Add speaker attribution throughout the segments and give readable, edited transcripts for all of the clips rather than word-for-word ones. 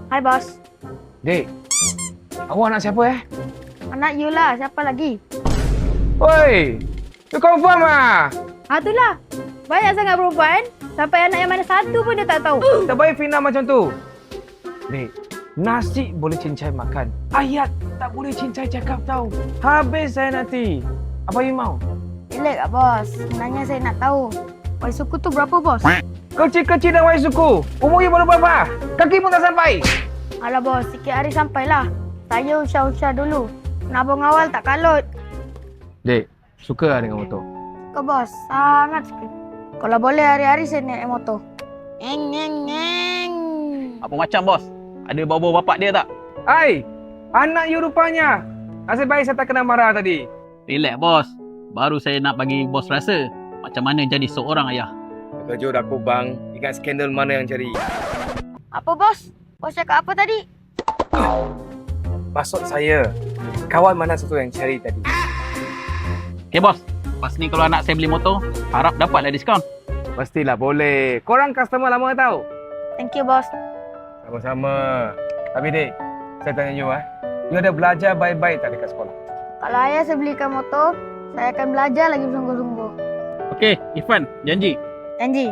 Speaker 1: Hai bos.
Speaker 2: Dek, awak anak siapa
Speaker 1: Anak you lah, siapa lagi?
Speaker 2: Oi, you confirm ah?
Speaker 1: Itulah. Banyak sangat perempuan. Sampai anak yang mana satu pun dia tak tahu.
Speaker 2: Tak baik Fina macam tu. Dek, nasi boleh cincai makan. Ayat tak boleh cincai cakap tahu. Habis saya nanti. Apa you mau?
Speaker 1: Relax kak bos. Sebenarnya saya nak tahu. Wai suku tu berapa bos?
Speaker 2: Kecil-kecil dan wai suku. Umur you baru berapa? Kaki pun tak sampai.
Speaker 1: Alah bos, sikit hari sampailah. Saya usah-usah dulu. Nabung awal tak kalut.
Speaker 2: Dek, suka lah dengan motor?
Speaker 1: Suka bos, sangat suka. Kalau boleh hari-hari saya naik motor. Eng.
Speaker 3: Apa macam bos? Ada bau-bau bapak dia tak?
Speaker 2: Hai, anak you rupanya. Nasib baik saya tak kena marah tadi.
Speaker 3: Relax bos. Baru saya nak bagi bos rasa macam mana jadi seorang ayah.
Speaker 2: Terkejut aku bang. Ingat skandal mana yang cari.
Speaker 1: Apa bos? Bos cakap apa tadi?
Speaker 2: Maksud saya, kawan mana satu yang cari tadi?
Speaker 3: Okay bos. Lepas ni kalau anak saya beli motor, harap dapatlah diskaun.
Speaker 2: Pastilah boleh. Korang customer lama tahu?
Speaker 1: Thank you bos.
Speaker 2: Sama-sama. Tapi dek, saya tanya you you ada belajar baik-baik tak dekat sekolah?
Speaker 1: Kalau ayah saya belikan motor, saya akan belajar lagi bersungguh-sungguh.
Speaker 3: Okey, Irfan, janji.
Speaker 1: Janji.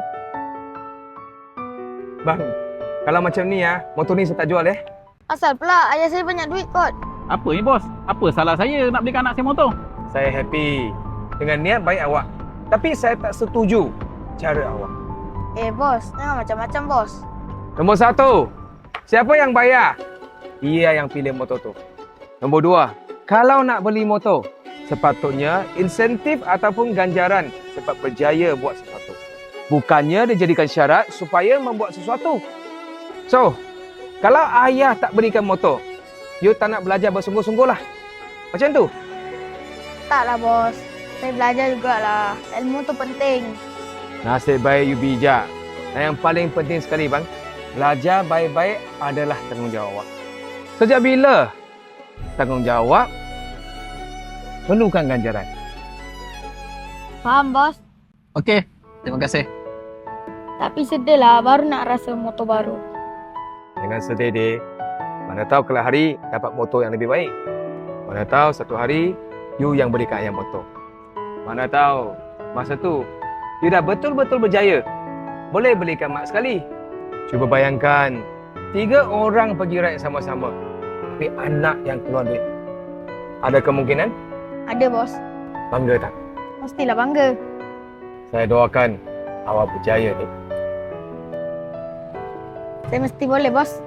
Speaker 2: Bang, kalau macam ni motor ni saya tak jual
Speaker 1: Asal pula ayah saya banyak duit kot.
Speaker 3: Apa ni bos? Apa salah saya nak belikan anak saya motor?
Speaker 2: Saya happy dengan niat baik awak. Tapi saya tak setuju cara awak.
Speaker 1: Bos, jangan macam-macam bos.
Speaker 2: Nombor 1, siapa yang bayar? Dia yang pilih motor tu. Nombor 2, kalau nak beli motor, sepatutnya insentif ataupun ganjaran sebab berjaya buat sesuatu. Bukannya dijadikan syarat supaya membuat sesuatu. So, kalau ayah tak berikan motor, you tak nak belajar bersungguh-sungguh lah. Macam tu.
Speaker 1: Taklah bos. Saya belajar jugalah. Ilmu tu penting.
Speaker 2: Nasib baik you bijak. Dan yang paling penting sekali bang, belajar baik-baik adalah tanggungjawab awak. Sejak bila tanggungjawab perlukan ganjaran?
Speaker 1: Faham bos.
Speaker 3: Okey, terima kasih.
Speaker 1: Tapi sedih lah baru nak rasa motor baru.
Speaker 2: Jangan sedih dek. Mana tahu kelak hari dapat motor yang lebih baik. Mana tahu satu hari you yang berikan ayah motor. Mana tahu masa tu you dah betul-betul berjaya. Boleh belikan mak sekali. Cuba bayangkan 3 orang pergi ride sama-sama. Tapi anak yang keluar duit. Ada kemungkinan?
Speaker 1: Ada bos.
Speaker 2: Bangga tak?
Speaker 1: Mestilah bangga.
Speaker 2: Saya doakan awak berjaya dek.
Speaker 1: Saya mesti boleh bos.